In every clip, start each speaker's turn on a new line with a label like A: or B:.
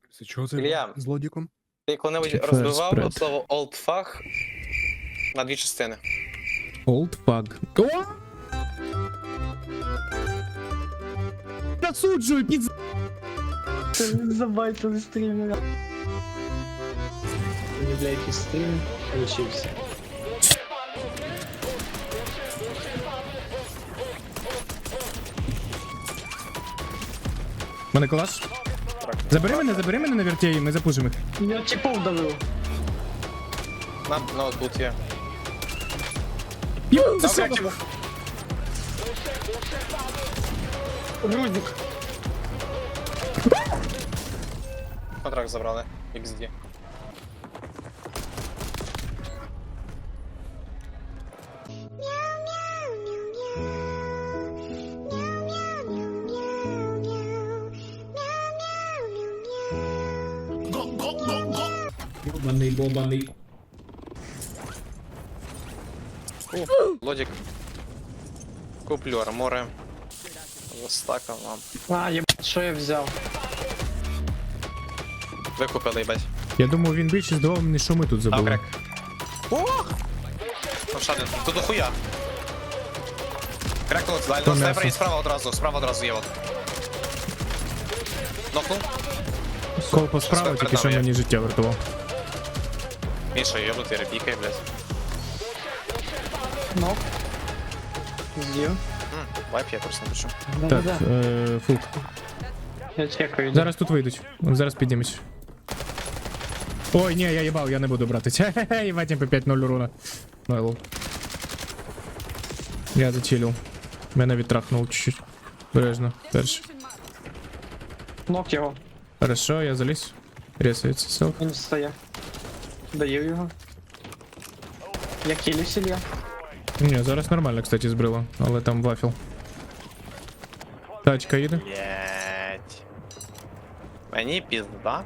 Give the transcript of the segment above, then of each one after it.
A: Це чого це
B: Ілля.
A: з лодіком?
B: Ти коли-небудь
C: First
B: розбивав
C: spread.
B: слово old fuck на дві частини?
C: Old fuck. О! Засуджую, пізд...
D: Забайтили стрімера. Не бля, якийсь стрім получився.
C: Мене клас. Забери мене на вертєї, ми запушимо їх.
D: Я типов давив.
B: На тут є.
C: Йо,
B: Добре,
C: засуджую.
B: типу.
D: Грузник.
B: Контракт забрали. XD.
C: Бобаний.
B: Лодік. Куплю армори. Застакав вам.
D: А, єбать, що я взяв?
B: Викупили, їбать.
C: Я думав, він більше здавав мені, що ми тут
B: А,
C: забули.
B: крек. Ох! Там ще один. Тут дохуя. Крек тут, далі.
C: То
B: Снайпер
C: м'ясо.
B: і справа одразу є от. Нокнув.
C: Колпо справа,
B: Перед
C: тільки що
B: нами є.
C: мені життя врятував.
B: Міша, йобнутий репікай, блядь.
D: Нок. З'їв.
B: Вайп я просто напишу.
C: Так,
D: Да-да-да.
C: фук.
D: Я чекаю.
C: Зараз тут вийдуть. Зараз піднімусь. Ой, ні, я їбав, я не буду брати. Хе-хе-хе, їбать, МП5-0 урона. Майло. Я зачилив. Мене відтрахнув чуть-чуть. Бережно, перший.
D: Нок його.
C: Хорошо, я заліз. Ресується селф.
D: Він встає. Даю його. Я кілюсь, Ілля.
C: Ні, зараз нормально, кстати, збрила, але там вафіл. Тачка їде.
B: Єть. Мені пізда.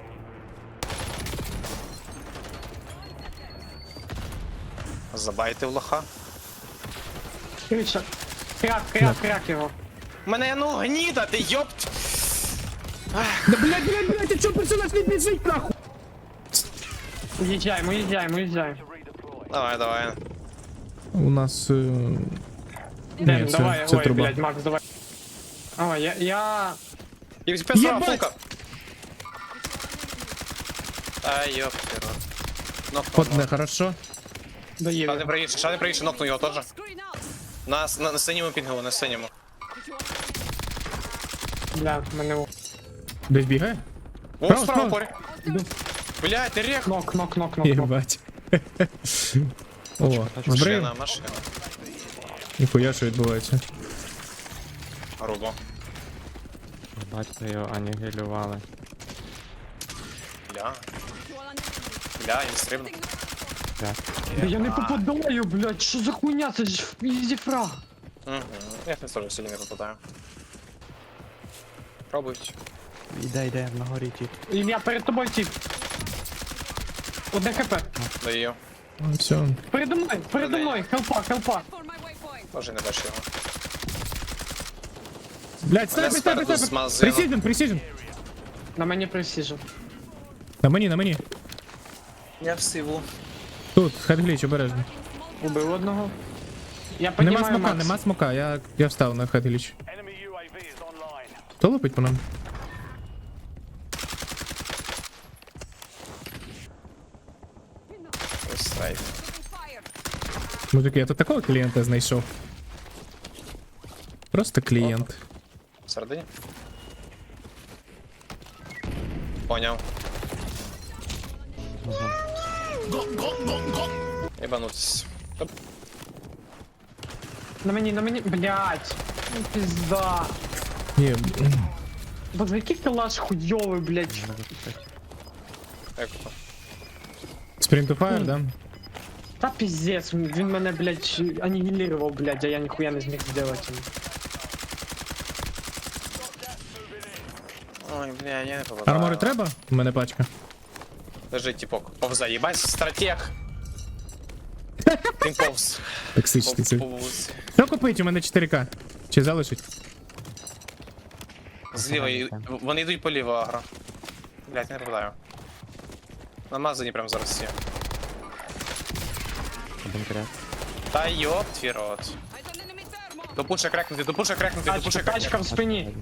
B: Забайте в лоха.
D: Крича. Крак його.
B: Мене ну гніда, ти йопт!
C: Да блядь, ти чого персонаж не біжить нахуй?
D: Уїжджаємо.
B: Давай.
C: У нас...
D: Ден,
C: це-
D: давай,
C: це
D: ой,
C: труба.
D: блядь, Макс, давай. А, я...
B: І песова
C: Єбать!
B: фулка. Ай, йопт, рот.
C: Одне, хорошо.
D: Доїв.
B: Ще не приїжджай, нокну його теж. На синьому пінгу, на синьому.
D: Бля, мене...
C: Десь бігає?
B: О,
C: Справа,
B: справа
C: справа.
B: порі. Блядь, ти рех.
D: Нок.
C: Єбать. О, збрив.
B: Машина.
C: Ніхуя, що відбувається.
B: Грубо.
E: Батько його анігілювали.
B: Бля, він стрибнув.
D: Да я не попадаю, блядь, що за хуйня, це ж ізі фраг.
B: Угу. Я не теж сьогодні не попадаю. Пробують.
E: Іде, на горі тіп.
D: Ілля, перед тобою тип. Одне хп.
B: Даю.
C: Ну, все.
D: Передо мною, хелпа.
B: Може не бачу його.
C: Блядь, снайпер,
B: спереду
C: снайпер.
B: змазано.
C: Пресіжен.
D: На мені пресіжу.
C: На мені.
B: Я в сиву.
C: Тут, хедгліч, обережно.
D: Убив одного. Я
C: Нема
D: піднімаю
C: смока,
D: Макс.
C: нема смока, я встав на хедгліч. Хто лупить по нам?
B: Ось сайт.
C: Мужики, я тут такого клієнта знайшов. Просто клієнт.
B: Всередині? Поняв. Єбанутись. Топ.
D: На мені, блядь. Ну, пизда.
C: Ні,
D: Боже, який калаш хуйовий, блядь.
B: Як то?
C: Sprint to fire, да?
D: Та пиздец, він мене, блядь, анігілірував, блядь, а я ніхуя не зміг зробити.
B: Ой, бля, я не попадаю.
C: Армори треба? У мене пачка.
B: Лежить типок. Повза, їбать, стратег. Він повз.
C: Токсичний цей.
B: Повз.
C: Що купить? У мене 4К. Чи залишить?
B: Зліва, вони йдуть по ліво агро. Блять, не попадаю. Намазані прям зараз всі.
E: Один кряк.
B: Та йоп твій рот. Допуша крекнути, допуша крекнути, допуша
D: Тачка
B: крекнути.
D: в спині.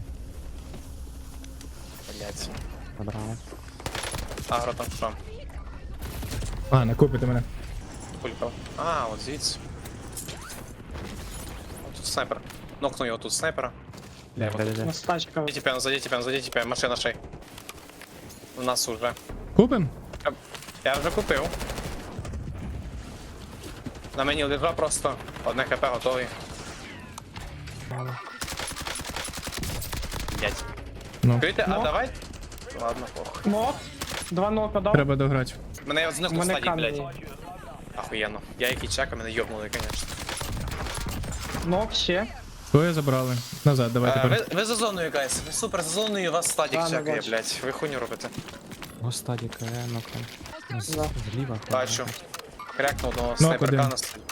B: Блять.
E: Забрали.
B: Агро там що?
C: А, накупите мене.
B: Пулькав. А, от звідси. О, тут снайпер. Нокнув його тут снайпера.
E: Де, де, де.
D: У нас тачка.
B: Заді тебе, машина шей. У нас уже.
C: Купим?
B: Я вже купив. На мені лежа просто. Одне хп готовий. Блять.
C: Ну,
B: Чуєте? А
D: Ну.
B: давай? Ладно, пох.
D: Нок. 2 нока дав.
C: треба дограти.
B: Мене я знов
D: У мене
B: стадік, блять.
D: камінь.
B: Ахуєнно. Я який чека, мене йобнули, конечно.
D: Нок ще.
C: Твоє забрали. Назад, давай тепер.
B: Ви за зоною, гайс. Ви супер за зоною, у вас стадік
D: Да, не
B: чекає,
D: бачу.
B: блять. Ви хуйню робите.
E: О, стадік, ну-ка.
D: Да.
E: Зліва.
B: Бачу. Крякнув одного
C: один.
B: снайперка на столі.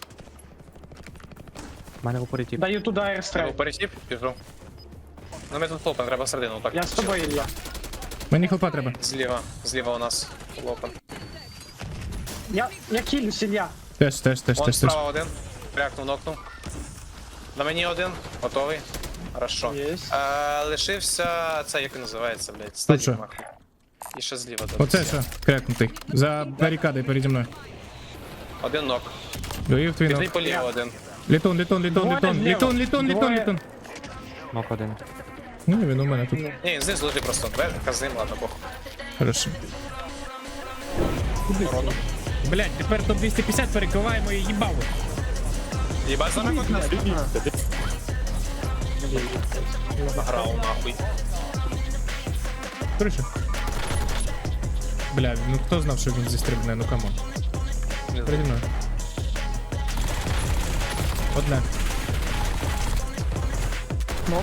E: У мене в упорі тіп.
D: Даю туди
B: Треба
D: аерстрайк.
B: пересіп, біжу. Ну ми тут хлопаємо, треба середину, так.
D: Я з тобою, Ілля.
C: Мені хлопа треба.
B: Зліва у нас хлопан.
D: Я кілюсь, Ілля.
C: Теж.
B: Вон справа один. Крякнув, нокнув. На мені один, готовий. Хорошо.
D: Єсть.
B: Лишився цей, як він називається, блядь,
C: що?
B: стадік нахуй. І ще зліва дивись.
C: Оце що, крякнутий. За барикадою переді мною.
B: Один нок.
C: Доїв твій
B: Піди
C: ног.
B: по ліву один.
C: Літун.
D: Двоє зліва. Двоє.
E: Нок один.
C: Ну, він у мене тут.
B: Ні, він знизу лежить просто. Казим, ладно, бог.
C: Хорошо. Блять, тепер топ 250 перекриваємо і їбало.
B: Їбать за мене награв нахуй.
C: Криша. Бля, ну хто знав, що він зістрибне, ну камон. Переді мною. Одне.
D: Нок.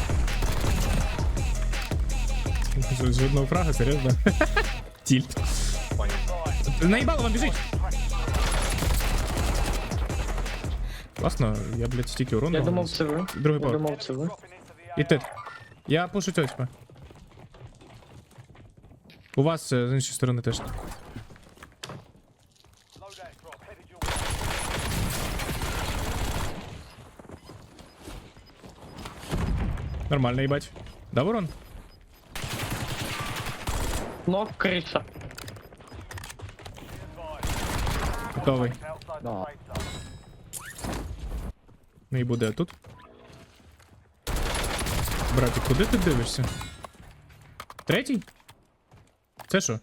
C: З одного фрага, серйозно? Тільт. Наїбало вам біжить! Класно, я, блядь, стільки урону.
D: Я
C: дав.
D: думав, це ви.
C: Другий
D: Я
C: поверх.
D: думав, це ви.
C: І ти. Я пушу цього тебе. У вас з іншої сторони теж. Нормально, їбать. Дав урон?
D: Нок, криша.
C: Готовий. Ну і буде тут. Братик, куди ти дивишся? Третій? Це що?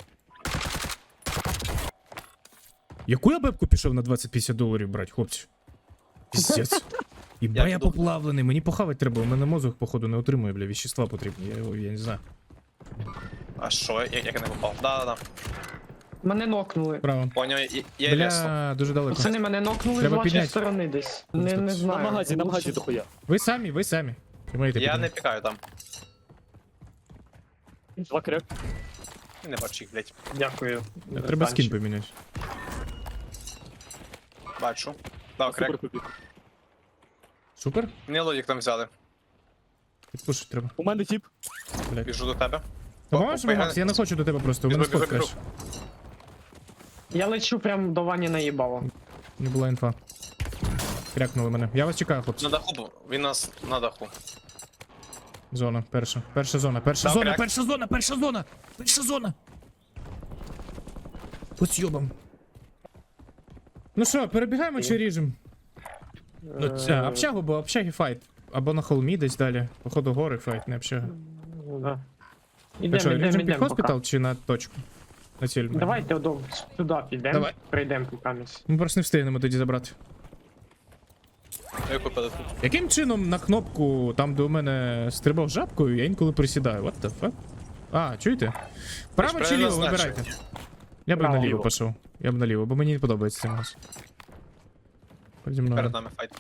C: Яку я бебку пішов на 20-50 $, брать, хлопці? Піздець. Іба я поплавлений, мені похавати треба, у мене мозок, походу, не отримує, бля, вещества потрібні, я не знаю.
B: А що, як я не попав? Да.
D: Мене нокнули.
C: Право.
B: Поняв, я лесу.
C: Бля, дуже далеко.
D: Пацани, мене нокнули з
C: Треба
D: вашої
C: підняти.
D: сторони десь. Не знаю.
A: На магазі дохуя.
C: Ви самі. Тримайте,
B: Я не
C: підіймайте.
B: пікаю там.
A: Два крек.
B: І не бачу їх, блядь.
D: Дякую.
C: Треба скін поміняти.
B: Бачу. Дав
A: Супер
B: крек.
A: купив.
C: Супер?
B: Мені лодік там взяли.
C: Підпушити треба.
A: У мене тіп.
C: Блядь.
B: Біжу до тебе.
C: Поможеш мені, Макс? Я не хочу до тебе просто, у мене
B: Біжу,
C: спот
B: біжу,
C: краш.
D: Я лечу прям до Вані наїбало.
C: Не була інфа. Крякнули мене. Я вас чекаю, хлопці.
B: На даху був. Він нас на даху.
C: Зона, перша. Перша зона.
B: Добре.
C: Перша зона. По сьобам. Ну що, перебігаємо чи ріжем? Ну, ця, общагу, бо общаги файт. Або на холмі десь далі. Походу гори файт, не общага.
D: Да.
C: Так що, ріжем під
D: Ідем,
C: хоспітал чи на точку? На ціль.
D: Давайте сюди підемо.
C: Давай.
D: Прийдемо покамість.
C: Ми просто не встигнемо тоді забрати.
B: Ми купили тут.
C: Яким чином на кнопку, там де у мене стрибав жабкою, я інколи присідаю? What the fuck? А, чуєте? Право
B: ж
C: чи ліво,
B: правильно
C: вибирайте. Я б
D: Право.
C: наліво пішов. Я б наліво, бо мені не подобається цей газ. Переді мною.
B: Перед нами файт.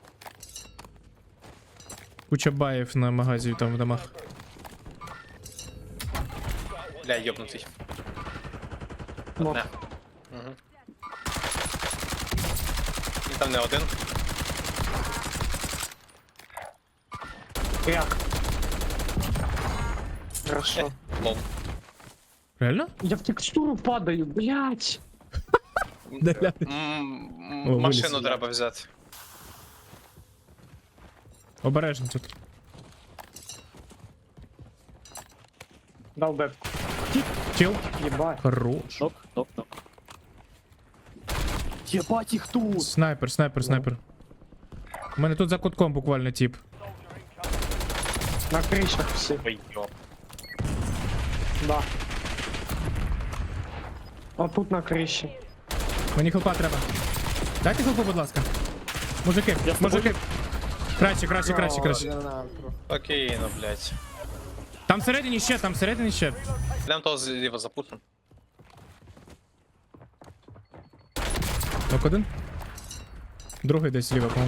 C: Куча баїв на магазі там в домах.
B: Бля, йобнутий.
D: Нок.
B: Не. Угу. Він там не один.
D: Кряк. Хорошо.
B: Лол.
C: Реально?
D: Я в текстуру падаю, блядь.
C: О,
B: Машину
C: виліз.
B: треба взяти.
C: Обережно тут.
D: Дав бебку.
C: Чил.
D: Єбать.
C: Хорош.
A: Нок. Єбать їх тут!
C: Снайпер. У мене тут за кутком буквально тип.
D: На кришах всі.
B: Ой, йо.
D: Да. А тут на криші.
C: Мені хелпа треба. Дайте хелпу, будь ласка. Мужики. Краще.
B: Окей, ну, блядь.
C: Там всередині ще.
B: Йдем того зліва запутаємо.
C: Нок один. Другий десь зліва, по-моєму.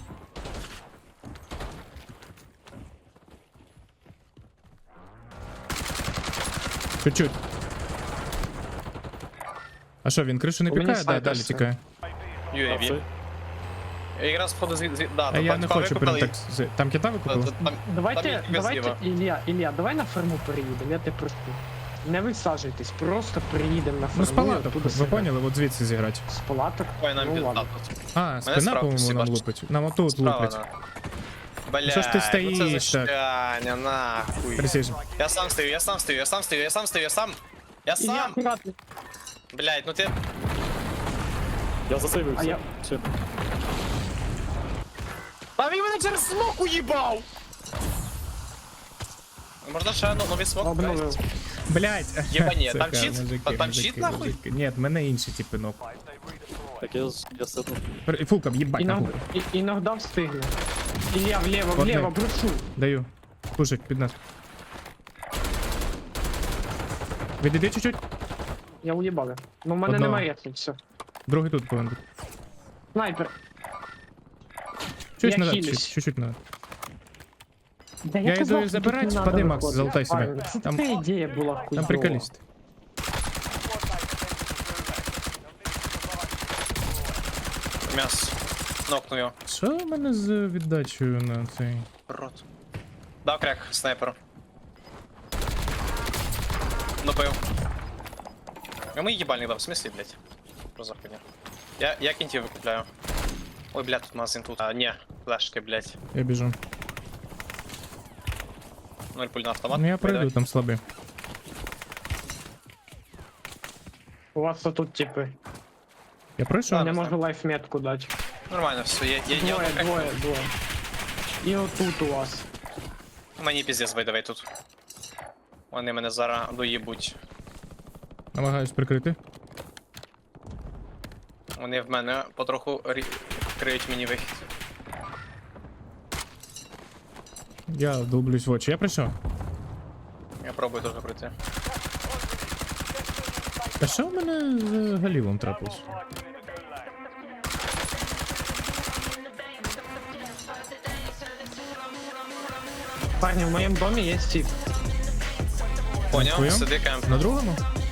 C: Чуть-чуть. А що, він кришу не
D: У мене
C: пікає? Да,
D: снайпер
C: далі
D: все.
C: тікає.
B: UAV. Я якраз входу да,
C: А я
B: там
C: не
B: типа
C: хочу
B: викупили,
C: прям так... Там кита викупили?
B: там
D: Давайте,
B: є
D: давайте,
B: зліва.
D: Ілля, давай на ферму переїдемо, я тебе прошу. Не висаджуйтесь, просто приїдемо на ферму.
C: Ну з палаток,
D: оттуда
C: ви
D: зіграти.
C: поняли, от звідси зіграти.
D: З палаток?
B: Ой, нам
D: Ну,
B: пізда
D: ладно.
B: тут.
C: А, спина,
B: справа
C: по-моєму,
B: всі
C: нам
B: бачать.
C: лупить. Нам отут
B: Справа,
C: лупить.
B: на. Бля,
C: Що ж ти стоїш
B: ну це
C: так?
B: защаня, нахуй.
C: Precision.
B: Я сам стою. Я
D: Ілля,
B: сам.
D: акуратно.
B: Блядь, ну ти...
A: Я засейвився.
D: А я-
A: Все.
B: А він мене через смок уїбав! Можна ще новий смок?
D: Обновив.
C: Блять.
B: Єбані, там чіт? Там чіт, нахуй?
C: Ні, в мене інші типи ног.
A: Так я сетнув.
C: Фулкам, їбать нахуй.
D: Іногда встигне. Ілля, вліво,
C: Одне.
D: прошу.
C: Даю. Пушить під нас. Відійди чуть-чуть.
D: Я уїбав. Ну в мене
C: Одного.
D: немає ретки, все.
C: Другий тут повинен бути.
D: Снайпер.
C: Чуть
D: Я
C: назад,
D: хилюсь.
C: чуть-чуть назад.
D: Да
C: Я
D: казав,
C: йду
D: що
C: забирать,
D: тут не
C: впади,
D: надо
C: Макс,
D: виходити.
C: залутай себе.
D: Правильно, Це
C: Там-
D: така ідея була хуйова.
C: Там приколіст.
B: М'яс. Нокну його.
C: Що в мене з віддачею на цей?
B: Рот. Дав кряк, снайперу. Добив. Йому їбальник дав, в смислі, блядь? Про заходня. Я кінтів викупляю. Ой, блядь, тут магазин тут. А, ні, флешки, блядь.
C: Я біжу.
B: 0 пуль на автомат.
C: Ну я
B: Давай,
C: пройду, там слабий.
D: У вас тут типи.
C: Я пройшов?
D: Не можу лайфметку дати.
B: Нормально, все, є
D: Двоє. І отут у вас.
B: Мені піздець давай тут. Вони мене зараз доїбуть.
C: Намагаюсь прикрити.
B: Вони в мене потроху криють мені вихід.
C: Я долблюсь в очі. Я прийшов.
B: Я пробую теж пройти.
C: А що в мене з галівом трапилось?
D: Парні, в моєму домі є тип.
B: Поняв,
C: Твоєм?
B: сиди кемп.
C: На другому?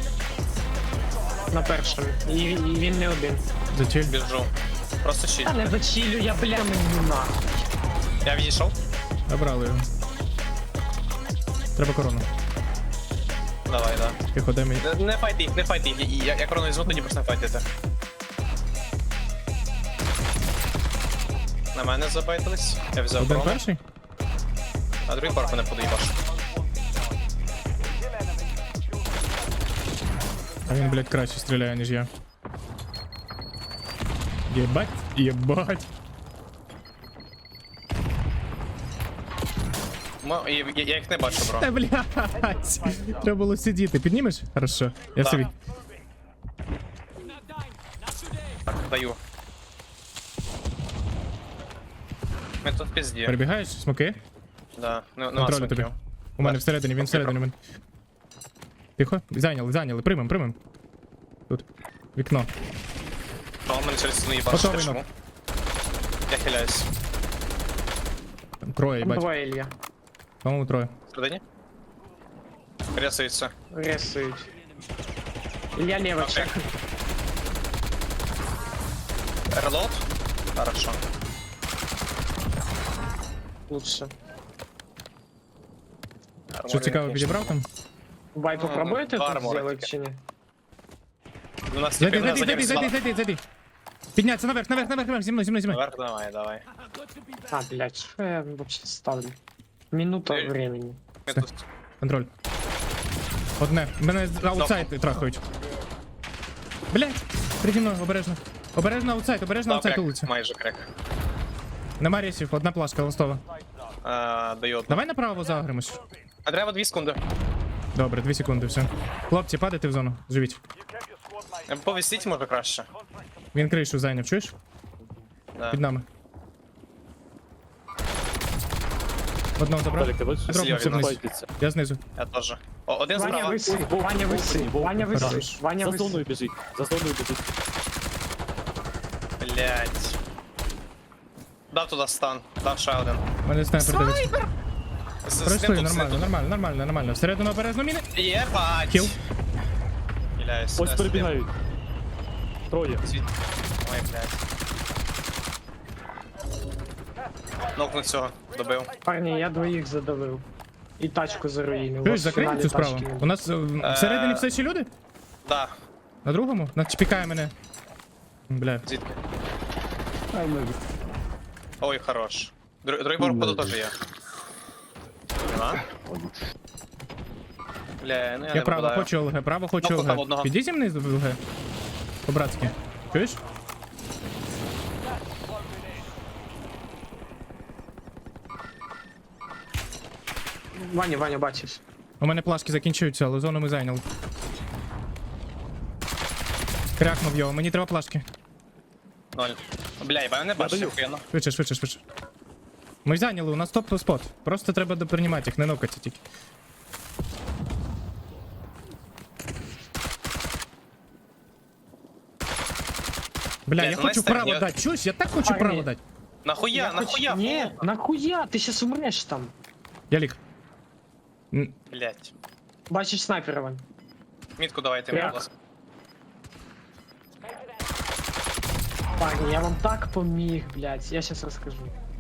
D: На першому. І він не один.
C: Зачель.
B: Біжу. Просто щит.
D: Та не зачілю, я бля мені на.
B: Я відійшов.
C: Забрали його. Треба корону.
B: Давай, да.
C: Тихо, дай мені.
B: Не файти їх, не файти їх. Я корону візьму, тоді просто не файтите. На мене забайтились. Я взяв
C: Один
B: корону.
C: перший?
B: А другий парк мене подоїбаш.
C: А він, блядь, краще стріляє, ніж я. Єбать, єбать.
B: Я їх не бачу, бро.
C: Та, блядь. Треба було сидіти. Піднімеш? Хорошо. Я
B: Да.
C: собі.
B: Так, даю. Ми тут в пізді.
C: Перебігаєш? Смоки?
B: Да. Ну,
C: Контролю тобі. У мене всередині, він всередині. у мене. Тихо. Зайняли. Примем. Тут. Вікно.
B: А он мене через стіну їбаш.
C: Готовий
B: Чому?
C: нок.
B: Я хиляюсь.
C: Там троє, їбать.
D: Двоє Ілля.
C: По-моєму, троє.
B: Всередині? Рясується.
D: Ресують. Ілля ліво чек.
B: Релот? Хорошо.
D: Лучше.
C: Що цікаво, підібрав там?
D: Вай, попробуєте тут
B: армор
D: зробити
B: таке.
D: чи ні?
B: У нас
C: Зайди,
B: типи
C: зайди, зайди, зайди, зайди, зайди. Підняться наверх, наверх, наверх, наверх, зі мною, зі мною, зі мною.
B: Наверх, давай.
D: А, блядь, що я вообще ставлю? Минута
B: Ей.
D: времени.
B: Ми тут.
C: Контроль. Одне. Мене з аутсайд трахають. Блять, переді мною, обережно. Обережно аутсайд, обережно
B: Дав
C: аутсайд
B: крек,
C: вулиця.
B: майже крек.
C: Нема рейсів, одна плашка ластова.
B: Даю одну.
C: Давай направо загримось.
B: А треба 2 секунди.
C: Добре, 2 секунди, все. Хлопці, падайте в зону, живіть.
B: Повісіть може краще.
C: Він кришу зайняв, чуєш?
B: Да.
C: Під нами. Одного забрав.
A: Далік, ти бачиш?
C: Дропнувся
B: Він
C: вниз.
A: Файтиться.
C: Я знизу.
B: Я теж. О, один
D: Ваня
B: справа.
D: висить, Ваня висить, Ваня
C: Хорош.
D: висить, Ваня
A: За зоною
D: висить.
A: біжить. За зоною біжить.
B: Блять. Дав туди стан. Дав ще один.
C: У мене снайпер дивиться.
B: З
C: Пройшли,
B: ним тут,
C: нормально, нормально, нормально, нормально. Всередину обережно міни.
B: Єбать.
C: Кіл.
B: Хиляюсь.
A: Ось перебігають. Троє.
B: Ой, блядь. Нокну цього. Добив.
D: Парні, я двоїх задавив. І тачку заруїнив.
C: Чуєш,
D: Ось в
C: закрили
D: фіналі
C: цю справу.
D: тачки не
C: У нас всередині все ще люди?
B: Да.
C: На другому? Чіпікає мене. Бля.
B: Звідки? Ой, хорош. Другий пор походу теж є. Нема? Бля, ну я
C: Я
B: не
C: право
B: попадаю.
C: хочу ЛГ, право хочу
B: Кнопку там
C: ЛГ.
B: одного.
C: Піди зі мною в ЛГ. По-братськи. Чуєш?
D: Ваня, Ваня, бачиш.
C: У мене плашки закінчуються, але зону ми зайняли. Крякнув його, мені треба плашки.
B: 0. Бля, я не бачу,
A: даю.
B: охуєнно.
C: Швидше, швидше, швидше. Ми зайняли, у нас топ-спот. Просто треба доприймати їх, не нокати тільки. Бля, я
B: ну,
C: хочу
B: Настя,
C: право
B: я-
C: дати. Чуєш, я так хочу
D: Парні.
C: право дати.
B: Нахуя, нахуя?
D: Ні, нахуя, ти щас умреш там.
C: Я ліг.
B: Блять.
D: Бачиш снайпера, Вань.
B: Мітку давайте, мені,
D: Кряк.
B: будь ласка.
D: Парні, я вам так поміг, блядь, я щас розкажу.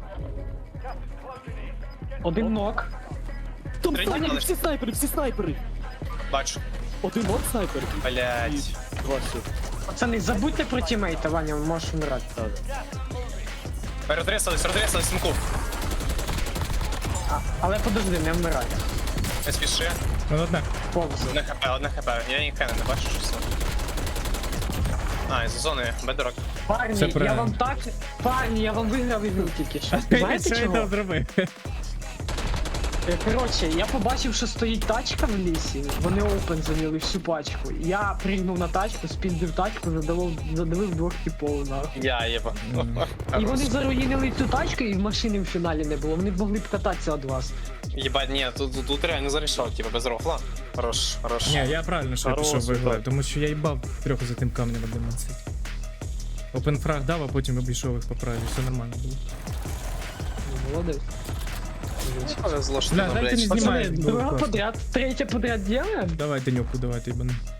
D: Один нок.
A: Там
B: Третій
A: снайпери,
B: кладеш.
A: всі снайпери.
B: Бачу.
A: Один от снайпер. І
B: Блять.
A: два ще.
D: Пацани, забудьте про тімейта, Ваня, можеш умирати.
B: Розрісались, смку.
D: Але подожди, не вмирай.
B: Не спіши.
C: Ну, одна.
D: Повзи.
B: Одне хп. Я ніхай не бачу, що це. А, із зони, бедрок.
D: Парні,
C: Все
D: я
C: правильно.
D: вам так... Парні, я вам виграв ігру тільки що. Знаєте
C: Що я
D: чого?
C: там зробив?
D: Коротше, я побачив, що стоїть тачка в лісі, вони опен зайняли всю пачку. Я пригнув на тачку, спіздив тачку, задавив двох типов нахуй.
B: Я єба.
D: І вони заруїнили цю тачку, і машини в фіналі не було. Вони б могли б кататися від вас.
B: Єбать, ні, тут реально зарішав, типа без рофла. Хорош, хорош.
C: Ні, я правильно, що я
A: Хороший,
C: пішов виглаю,
A: так.
C: тому що я їбав трьох за тим камнем 11. Опенфраг дав, а потім обійшов їх по праві, все нормально було.
D: Молодець.
B: Повезло, що
C: Бля,
B: ти,
C: дайте не
B: блядь.
C: знімай.
D: Пацани,
C: було
D: друга
C: класно.
D: подряд, третя подряд делаем?
C: Давай, Денюку, давай, ти бани.